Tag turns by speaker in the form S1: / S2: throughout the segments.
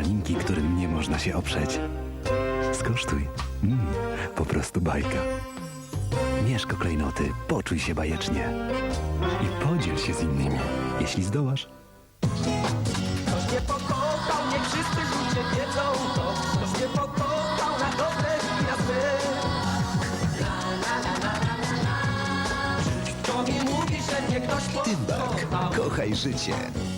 S1: drobinki, którym nie można się oprzeć. Skosztuj. Po prostu bajka. Mieszko klejnoty, poczuj się bajecznie. I podziel się z innymi, jeśli zdołasz.
S2: Ktoś mnie pokochał, niech wszyscy ludzie wiedzą to. Ktoś mnie pokochał na dobre i na złe. Kto mi mówi, że mnie ktoś
S1: Tymbark,
S2: pokochał?
S1: kochaj życie.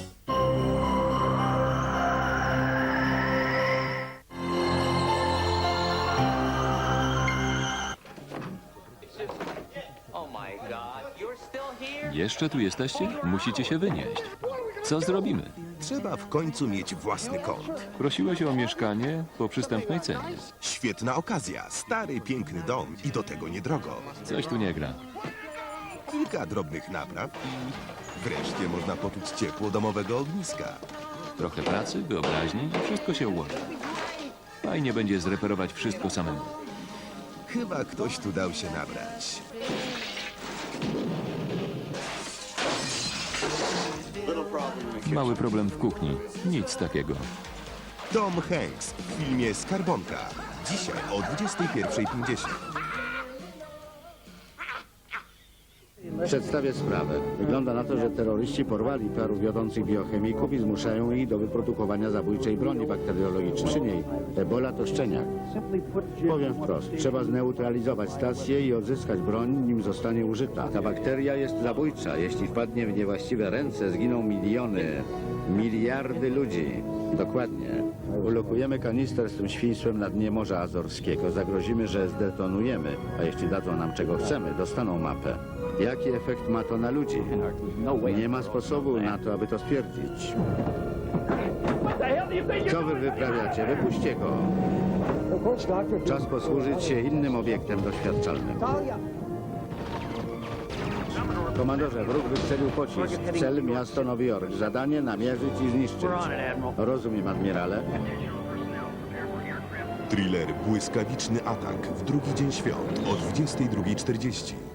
S3: Jeszcze tu jesteście? Musicie się wynieść. Co zrobimy?
S4: Trzeba w końcu mieć własny kąt.
S3: Prosiłeś o mieszkanie po przystępnej cenie.
S4: Świetna okazja. Stary, piękny dom i do tego niedrogo.
S3: Coś tu nie gra.
S4: Kilka drobnych napraw i wreszcie można poczuć ciepło domowego ogniska.
S3: Trochę pracy, wyobraźni i wszystko się ułoży. Fajnie będzie zreperować wszystko samemu.
S4: Chyba ktoś tu dał się nabrać.
S3: Mały problem w kuchni. Nic takiego.
S4: Tom Hanks w filmie Skarbonka. Dzisiaj o 21:50.
S5: Przedstawię sprawę. Wygląda na to, że terroryści porwali paru wiodących biochemików i zmuszają ich do wyprodukowania zabójczej broni bakteriologicznej. Przy niej Ebola to szczeniak. Powiem wprost, trzeba zneutralizować stację i odzyskać broń, nim zostanie użyta. Ta bakteria jest zabójcza. Jeśli wpadnie w niewłaściwe ręce, zginą miliony, miliardy ludzi. Dokładnie. Ulokujemy kanister z tym świństwem na dnie Morza Azorskiego. Zagrozimy, że zdetonujemy, a jeśli dadzą nam czego chcemy, dostaną mapę. Jaki efekt ma to na ludzi? Nie ma sposobu na to, aby to stwierdzić. Co wy wyprawiacie? Wypuśćcie go. Czas posłużyć się innym obiektem doświadczalnym. Komandorze, wróg wystrzelił pocisk. Cel miasto Nowy Jork. Zadanie namierzyć i zniszczyć. Rozumiem, admirale.
S4: Thriller Błyskawiczny atak w drugi dzień świąt o 22:40.